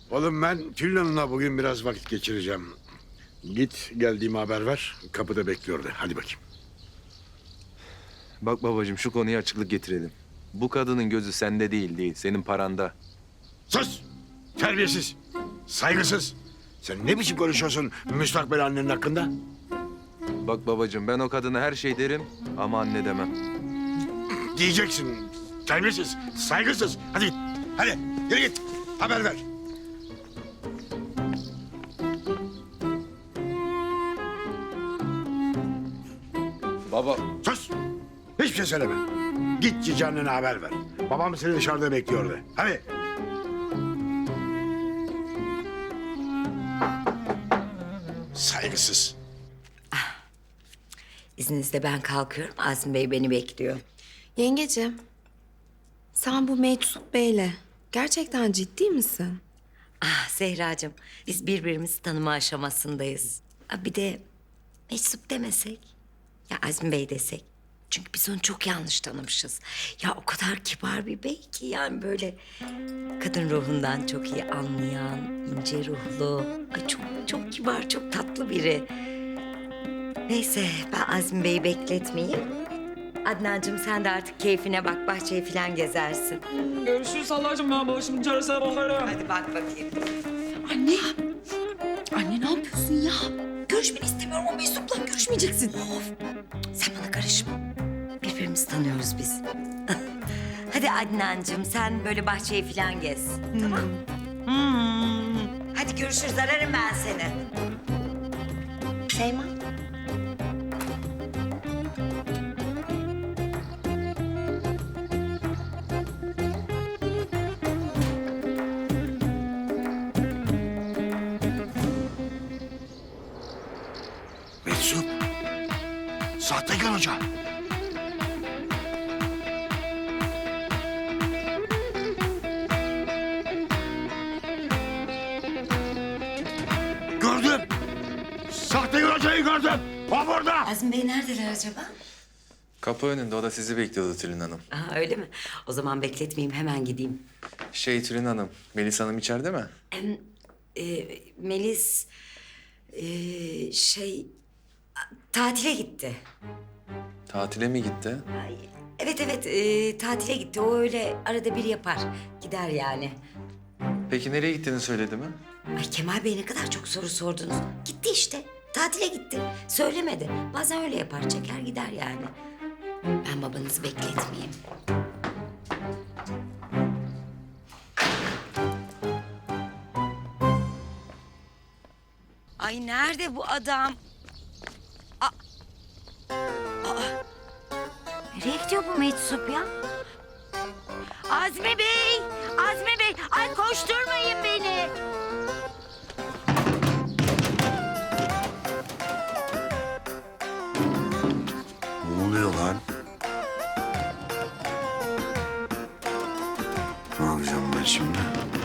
Oğlum ben Tülin Hanım'la bugün biraz vakit geçireceğim. Git geldiğimi haber ver. Kapıda bekliyordu. Hadi bakayım. Bak babacığım şu konuya açıklık getirelim. Bu kadının gözü sende değil, senin paranda. Sus! Terbiyesiz! Saygısız! Sen ne biçim konuşuyorsun müstakbel annenin hakkında? Bak babacığım ben o kadına her şey derim ama anne demem. Diyeceksin. Terbiyesiz, saygısız. Hadi git. Hadi yürü git. Haber ver. Baba. Sus! Hiçbir şey söyleme. Git cici annene haber ver. Babam seni dışarıda bekliyordu. Hadi. Saygısız. İzninizle ben kalkıyorum. Azmi Bey beni bekliyor. Yengeciğim, sen bu Meczup Bey'le gerçekten ciddi misin? Ah Zehracığım, biz birbirimizi tanıma aşamasındayız. Bir de Meczup demesek, ya Azmi Bey desek. Çünkü biz onu çok yanlış tanımışız. Ya o kadar kibar bir bey ki yani böyle kadın ruhundan çok iyi anlayan, ince ruhlu. Ay çok kibar, çok tatlı biri. Neyse ben Azmi Bey'i bekletmeyeyim. Adnancığım sen de artık keyfine bak, bahçeyi falan gezersin. Görüşürüz Allah'cığım, ben başımın çaresine bakarım. Hadi bak bakayım. Anne! Anne ne yapıyorsun ya? Görüşmeni istemiyorum, o Meczup'la görüşmeyeceksin. Of, sen bana karışma. Birbirimizi tanıyoruz biz. Hadi Adnancığım sen böyle bahçeyi falan gez. Tamam. Hadi görüşürüz, ararım ben seni. Şeyma. Meczup. Sahtekar hoca. Gördüm. Sahtekar hocayı gördüm. O burada. Azmi Bey neredeler acaba? Kapı önünde o da sizi bekliyordu Tülin Hanım. Aa, öyle mi? O zaman bekletmeyeyim, hemen gideyim. Tülin Hanım, Melis Hanım içeride mi? Melis... tatile gitti. Tatile mi gitti? Ay, evet, tatile gitti. O öyle arada bir yapar. Gider yani. Peki nereye gittiğini söyledi mi? Ay Kemal Bey ne kadar çok soru sordunuz. Gitti işte. Tatile gitti. Söylemedi. Bazen öyle yapar. Çeker gider yani. Ben babanızı bekletmeyeyim. Ay nerede bu adam? Nereye gidiyor bu Meczup ya? Azmi Bey! Azmi Bey! Ay koşturmayın beni! Ne oluyor lan? Ne yapacağım ben şimdi?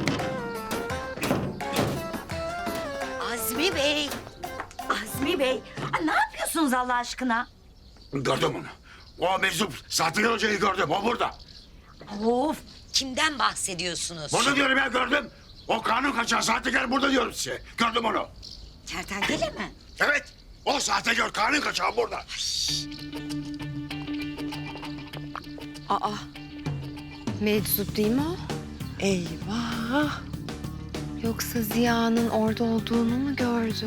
Azmi Bey! Azmi Bey! Ay, ne yapıyorsunuz Allah aşkına? Gördüm onu. O meczup sahtekar hocayı gördüm. O burada. Of! Kimden bahsediyorsunuz? Burada diyorum ya gördüm. O kanun kaçağı sahtekar burada diyorum size. Gördüm onu. Kertenkele mi? Evet. O sahtekar kanun kaçağı burada. Aa, Meczup değil mi o? Eyvah! Yoksa Ziya'nın orada olduğunu mu gördü?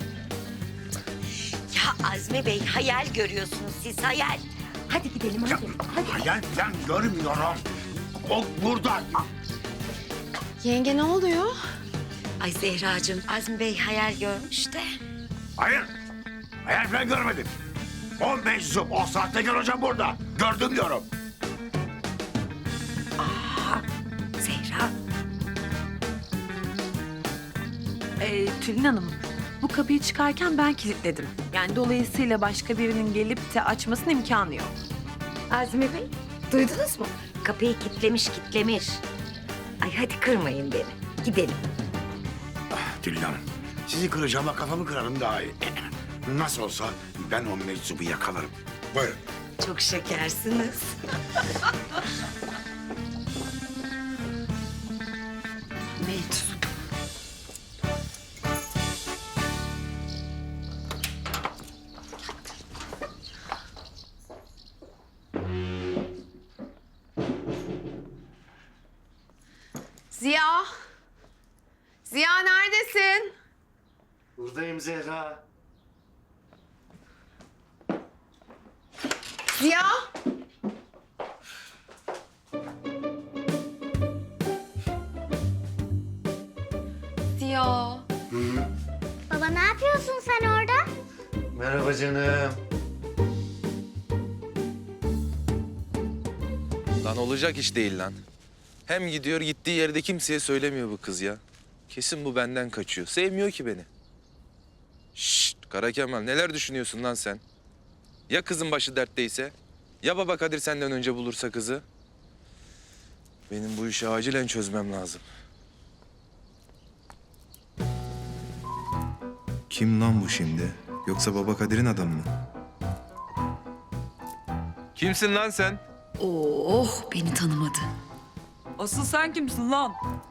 Ya Azmi Bey hayal görüyorsunuz siz hayal. Hadi gidelim hadi. Hadi. Hayal falan görmüyorum. O burada. Yenge ne oluyor? Ay Zehracığım Azmi Bey hayal görmüş de. Hayır. Hayal falan görmedim. O meczup, o sahtekar hocam burada. Gördüm diyorum. Zehra. Tülin Hanım, bu kapıyı çıkarken ben kilitledim. Yani dolayısıyla başka birinin gelip de açmasının imkanı yok. Azmi Bey duydunuz mu? Kapıyı kitlemiş. Ay hadi kırmayın beni. Gidelim. Tülin Hanım, sizi kıracağıma kafamı kırarım daha iyi. Nasıl olsa ben o meczubu yakalarım. Buyurun. Çok şekersiniz. Meczup. Ziya. Ziya neredesin? Buradayım Zehra. Ziya. Ziya. Baba ne yapıyorsun sen orada? Merhaba canım. Lan olacak iş değil lan. Hem gidiyor gittiği yerde kimseye söylemiyor bu kız ya. Kesin bu benden kaçıyor. Sevmiyor ki beni. Şşt Kara Kemal neler düşünüyorsun lan sen? Ya kızın başı dertteyse? Ya baba Kadir senden önce bulursa kızı? Benim bu işi acilen çözmem lazım. Kim lan bu şimdi? Yoksa Baba Kadir'in adamı mı? Kimsin lan sen? Oh, beni tanımadı. Asıl sen kimsin lan?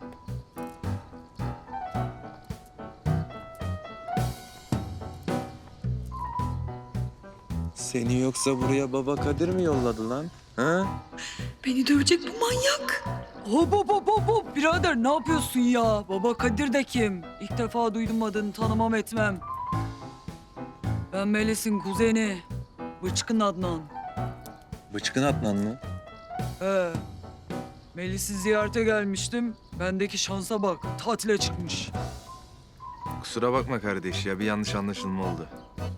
Seni yoksa buraya baba Kadir mi yolladı lan? Ha? Beni dövecek bu manyak. Hop hop hop hop hop. Birader ne yapıyorsun ya? Baba Kadir de kim? İlk defa duydum adını, tanımam etmem. Ben Melis'in kuzeni. Bıçkın Adnan. Bıçkın Adnan mı? He. Melis'i ziyarete gelmiştim. Bendeki şansa bak. Tatile çıkmış. Kusura bakma kardeş ya bir yanlış anlaşılma oldu.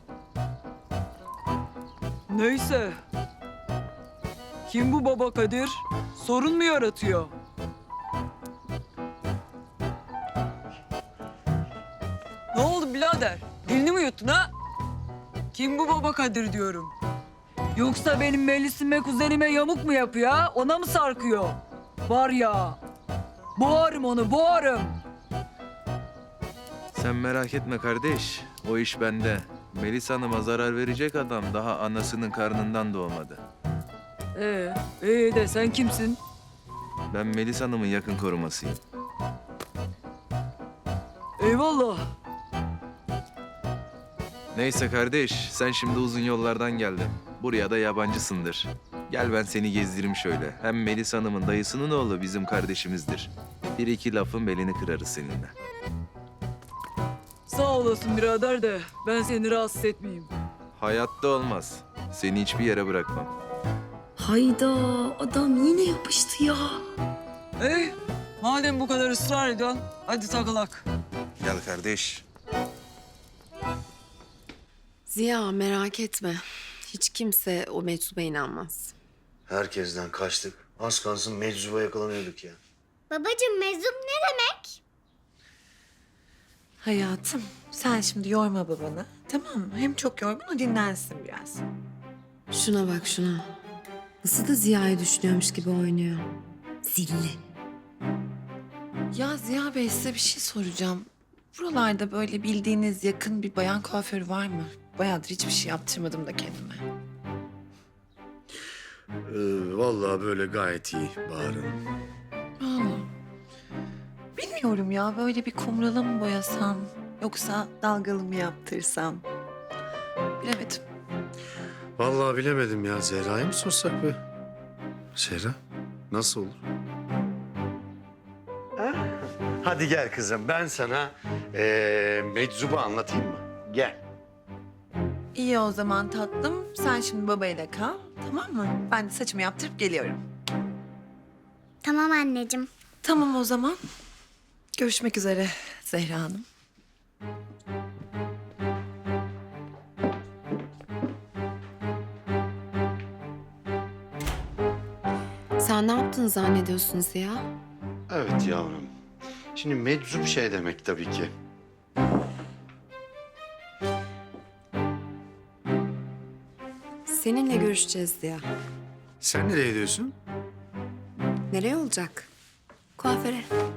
Neyse. Kim bu Baba Kadir? Sorun mu yaratıyor? Ne oldu birader? Dilini mi yuttun ha? Kim bu Baba Kadir diyorum. Yoksa benim Melis'ime kuzenime yamuk mu yapıyor ha? Ona mı sarkıyor? Var ya. Boğarım onu boğarım. Sen merak etme kardeş. O iş bende. Melis Hanım'a zarar verecek adam daha anasının karnından doğmadı. İyi de sen kimsin? Ben Melis Hanım'ın yakın korumasıyım. Eyvallah. Neyse kardeş, sen şimdi uzun yollardan geldin. Buraya da yabancısındır. Gel ben seni gezdireyim şöyle. Hem Melis Hanım'ın dayısının oğlu bizim kardeşimizdir. Bir iki lafın belini kırarız seninle. Sağ olasın birader de ben seni rahatsız etmeyeyim. Hayatta olmaz. Seni hiçbir yere bırakmam. Hayda, adam yine yapıştı ya. Madem bu kadar ısrar ediyorsun, hadi takılak. Gel kardeş. Ziya merak etme. Hiç kimse o meczuba inanmaz. Herkesten kaçtık. Az kalsın meczuba yakalanıyorduk ya. Babacığım meczup ne demek? Hayatım, sen şimdi yorma babanı. Tamam mı? Hem çok yorgun, o dinlensin biraz. Şuna bak şuna. Nasıl da Ziya'yı düşünüyormuş gibi oynuyor. Zilli. Ya Ziya Bey size bir şey soracağım. Buralarda böyle bildiğiniz yakın bir bayan kuaförü var mı? Bayağıdır hiçbir şey yaptırmadım da kendime. Vallahi böyle gayet iyi Bahar Hanım. Aa, bilmiyorum ya böyle bir kumrala mı boyasam yoksa dalgalı mı yaptırsam? Bilemedim. Vallahi bilemedim ya. Zehra'yı mı sorsak be? Zehra, nasıl olur? Hadi gel kızım. Ben sana meczubu anlatayım mı? Gel. İyi o zaman tatlım. Sen şimdi babayla kal. Tamam mı? Ben de saçımı yaptırıp geliyorum. Tamam anneciğim. Tamam o zaman. Görüşmek üzere Zehra Hanım. Sen ne yaptın zannediyorsun Ziya? Evet yavrum. Şimdi meczup şey demek tabii ki. Seninle görüşeceğiz Ziya. Sen nereye gidiyorsun? Nereye olacak? Kuaföre.